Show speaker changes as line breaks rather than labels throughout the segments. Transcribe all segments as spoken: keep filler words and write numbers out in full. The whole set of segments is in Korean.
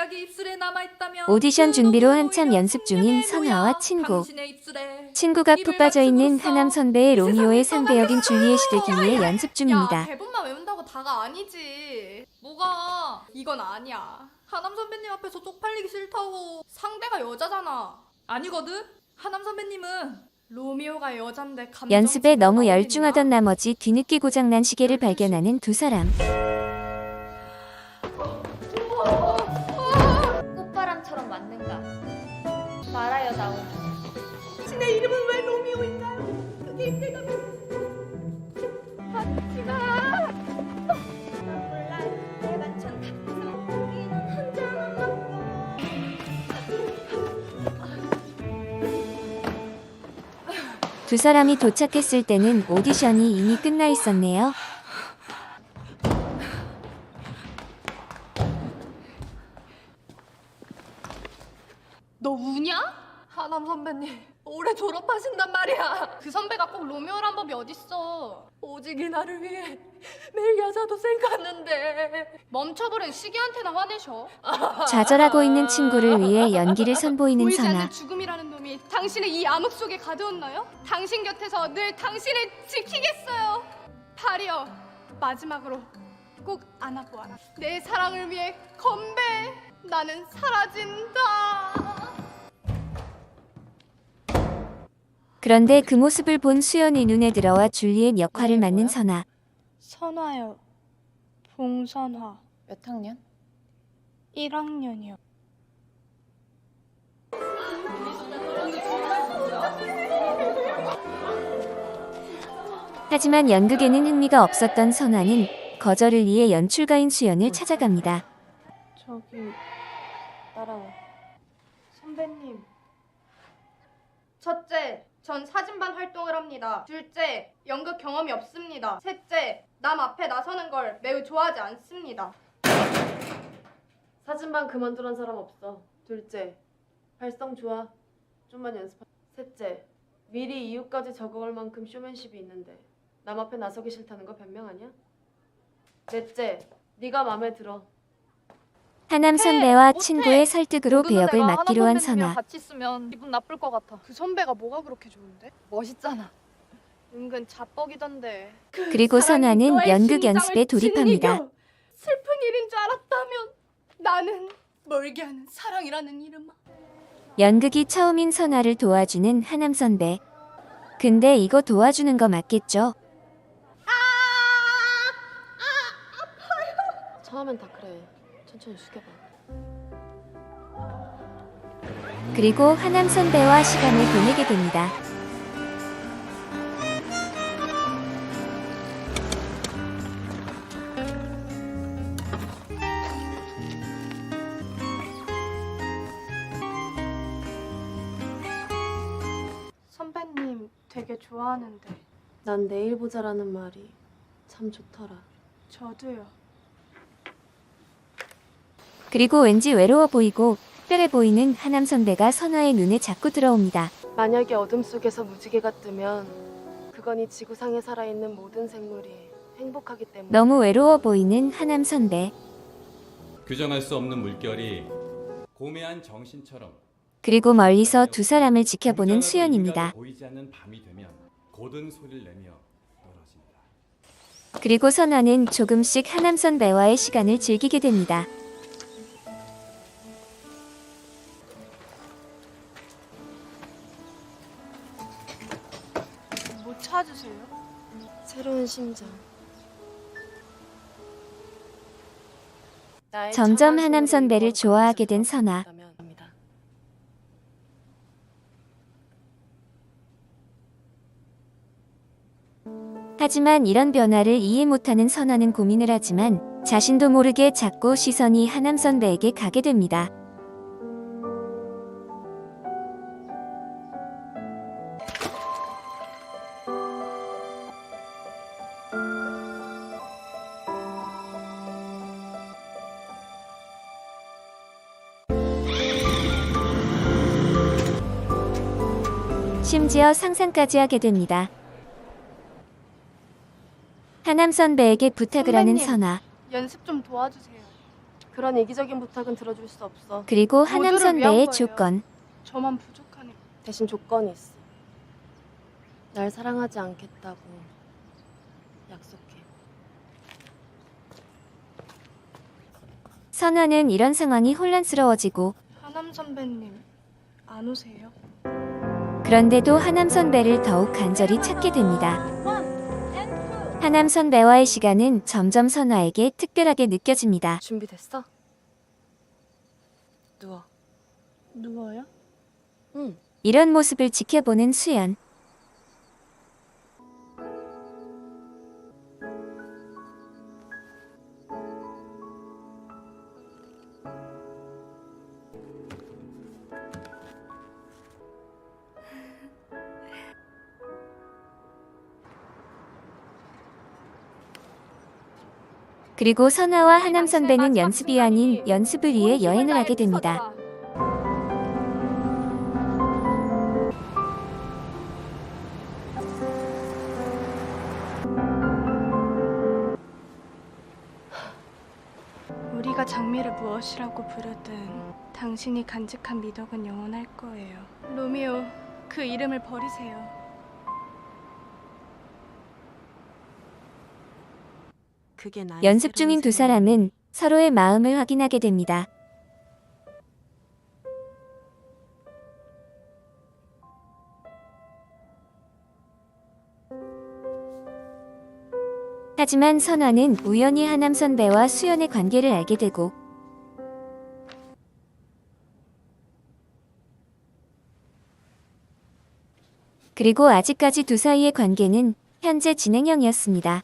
치약이 입술에 남아있다면
오디션 준비로
그
한참
노동도
연습 중인
생명의
선아와
묘약,
친구.
당신의 입술에
친구가 푹 빠져있는
입을
하남 선배의
세상을
로미오의 상대 역인
떠나겠어요.
줄리엣이 되기 위해 연습
야,
중입니다.
대본만 외운다고 다가 아니지.
뭐가
이건 아니야.
하남 선배님 앞에서 쪽팔리기 싫다고.
상대가 여자잖아.
아니거든. 하남 선배님은
로미오가 여잔데 감정
연습에 너무
나오겠냐?
열중하던 나머지 뒤늦게 고장난 시계를 발견하는 두 사람.
꽃바람처럼 왔는가 말하여 나오는
당신의 이름은 왜 로미오인가? 그게 내가 하지마.
몰라 내가 전 여기는 한잔한 남자
두 사람이 도착했을 때는 오디션이 이미 끝나 있었네요.
너 우냐?
하남 선배님 올해 졸업하신단 말이야.
그 선배가 꼭 로미오란 법이 어딨어.
오직 이 나를 위해 매일 야자도 생각하는데.
멈춰버린 시기한테나 화내셔.
좌절하고 있는 친구를 위해 연기를 선보이는
보이지
선아.
않는 죽음이라는 놈이 당신의 이 암흑 속에 가두었나요? 당신 곁에서 늘 당신을 지키겠어요. 파리여, 마지막으로 꼭 안아보아라. 내 사랑을 위해 건배. 나는 사라진다.
그런데 그 모습을 본 수연이 눈에 들어와 줄리엣 역할을 맡는 선아.
선화요. 봉선화.
몇 학년?
일 학년이요.
하지만 연극에는 흥미가 없었던 선아는 거절을 위해 연출가인 수연을 찾아갑니다.
저기 따라와. 선배님. 첫째, 전 사진반 활동을 합니다. 둘째, 연극 경험이 없습니다. 셋째, 남 앞에 나서는 걸 매우 좋아하지 않습니다.
사진반 그만두란 사람 없어. 둘째, 발성 좋아. 좀만 연습하. 셋째, 미리 이유까지 적어갈 만큼 쇼맨십이 있는데 남 앞에 나서기 싫다는 거 변명 아니야? 넷째, 네가 마음에 들어.
하남 선배와
못해.
친구의 설득으로
모르는
배역을
내가
맡기로
하남
한
선배님이랑
선아.
같이 있으면 기분 나쁠 것 같아.
그 선배가 뭐가 그렇게 좋은데?
멋있잖아.
은근 자뻑이던데.
그리고 선아는 연극 연습에 돌입합니다.
슬픈 일인 줄 알았다면 나는 멀게 하는 사랑이라는 이름아.
연극이 처음인 선아를 도와주는 하남 선배. 근데 이거 도와주는 거 맞겠죠?
처음엔 다 그래. 천천히 숙여봐.
그리고 하남 선배와 시간을 보내게 됩니다.
선배님 되게 좋아하는데.
난 내일 보자라는 말이 참 좋더라.
저도요.
그리고 왠지 외로워 보이고 특별해 보이는 하남 선배가 선아의 눈에 자꾸 들어옵니다.
만약에 어둠 속에서 무지개가 뜨면 그건 이 지구상에 살아있는 모든 생물이 행복하기 때문에.
너무 외로워 보이는 하남 선배.
규정할 수 없는 물결이 고매한 정신처럼
그리고 멀리서 두 사람을 지켜보는 수연입니다.
보이지 않는 밤이 되면 고든 소리를 내며 떨어진다.
그리고 선아는 조금씩 하남 선배와의 시간을 즐기게 됩니다.
뭐 찾으세요?
새로운 심장. 나의
점점
차가운
하남
손으로
선배를
이걸
좋아하게 된
건질 수
선아.
없다면 합니다.
하지만 이런 변화를 이해 못하는 선아는 고민을 하지만 자신도 모르게 자꾸 시선이 하남 선배에게 가게 됩니다. 심지어 상상까지 하게 됩니다. 하남 선배에게 부탁을 하는
선배님.
선아.
연습 좀 도와주세요.
그런 이기적인 부탁은 들어줄 수 없어.
그리고 하남
모두를
선배의
위한 거예요.
조건.
저만 부족하니까.
대신 조건이 있어. 날 사랑하지 않겠다고 약속해.
선아는 이런 상황이 혼란스러워지고
하남 선배님 안 오세요?
그런데도 하남 선배를 더욱 간절히 찾게 됩니다. 하남 선배와의 시간은 점점 선아에게 특별하게 느껴집니다.
준비됐어? 누워.
누워요?
응.
이런 모습을 지켜보는 수연. 그리고 선아와 하남 선배는 연습이 아닌 연습을 위해 여행을 하게 됩니다.
우리가 장미를 무엇이라고 부르든 당신이 간직한 미덕은 영원할 거예요. 로미오, 그 이름을 버리세요.
그게 나의
연습 중인 두
새로운
사람은 서로의 마음을 확인하게 됩니다. 하지만 선화는 우연히 하남 선배와 수연의 관계를 알게 되고 그리고 아직까지 두 사이의 관계는 현재 진행형이었습니다.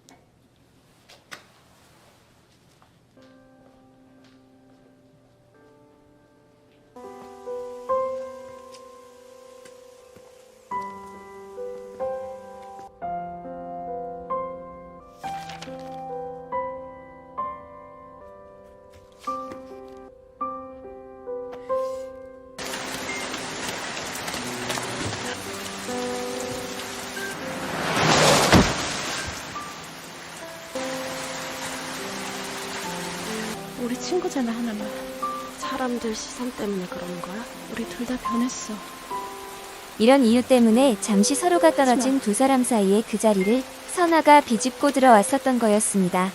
우리 친구잖아, 하나만.
사람들 시선 때문에 그러는 거야?
우리 둘 다 변했어.
이런 이유 때문에 잠시 서로가 떨어진 두 사람 사이의 그 자리를 선화가 비집고 들어왔었던 거였습니다.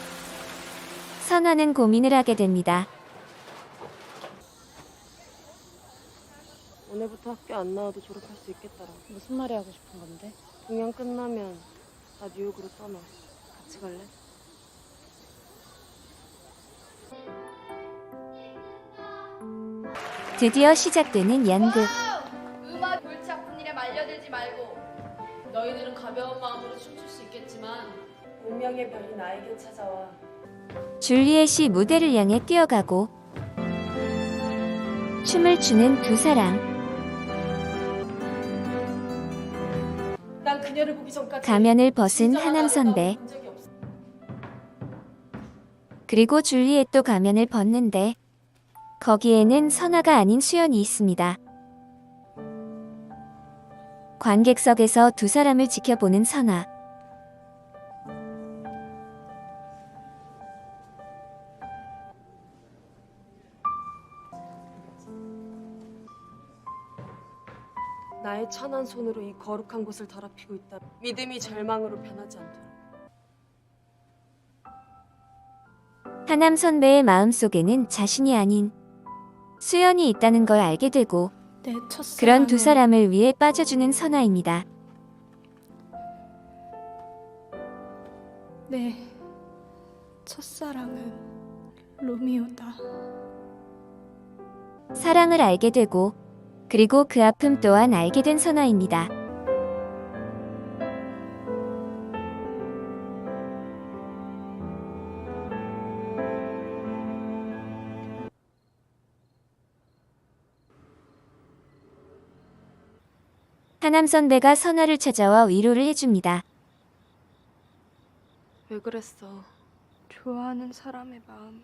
선화는 고민을 하게 됩니다.
오늘부터 학교 안 나와도 졸업할 수 있겠더라.
무슨 말이 하고 싶은 건데?
동양 끝나면 나 뉴욕으로 떠나. 같이 갈래?
드디어 시작되는 연극.
음악 골치 아픈 일에 말려들지 말고 너희들은 가벼운 마음으로 춤출 수 있겠지만
운명의 별이 나에게 찾아와.
줄리엣이 무대를 향해 뛰어가고 춤을 추는 두 사람.
난 그녀를 보기 전까지
가면을 벗은
진짜
하남
나를
선배.
본 적이 없어.
그리고 줄리엣도 가면을 벗는데 거기에는 선화가 아닌 수연이 있습니다. 관객석에서 두 사람을 지켜보는 선화.
나의 천한 손으로 이 거룩한 곳을 더럽히고 있다. 믿음이 절망으로 변하지 않도록.
하남 선배의 마음속에는 자신이 아닌 수연이 있다는 걸 알게 되고
내 첫사랑은
그런 두 사람을 위해 빠져주는 선화입니다.
내 첫사랑은 로미오다.
사랑을 알게 되고 그리고 그 아픔 또한 알게 된 선화입니다. 하남 선배가 선화를 찾아와 위로를 해줍니다.
왜 그랬어?
좋아하는 사람의 마음은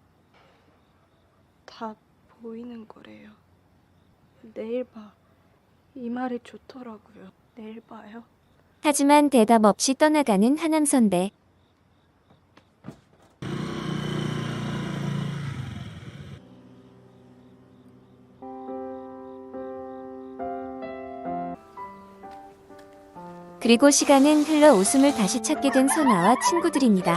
다 보이는 거래요. 내일 봐. 이 말이 좋더라고요. 내일 봐요.
하지만 대답 없이 떠나가는 하남 선배. 그리고 시간은 흘러 웃음을 다시 찾게 된 선아와 친구들입니다.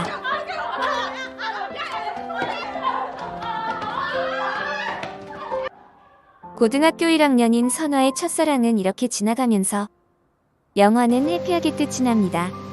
고등학교 일 학년인 선아의 첫사랑은 이렇게 지나가면서 영화는 해피하게 끝이 납니다.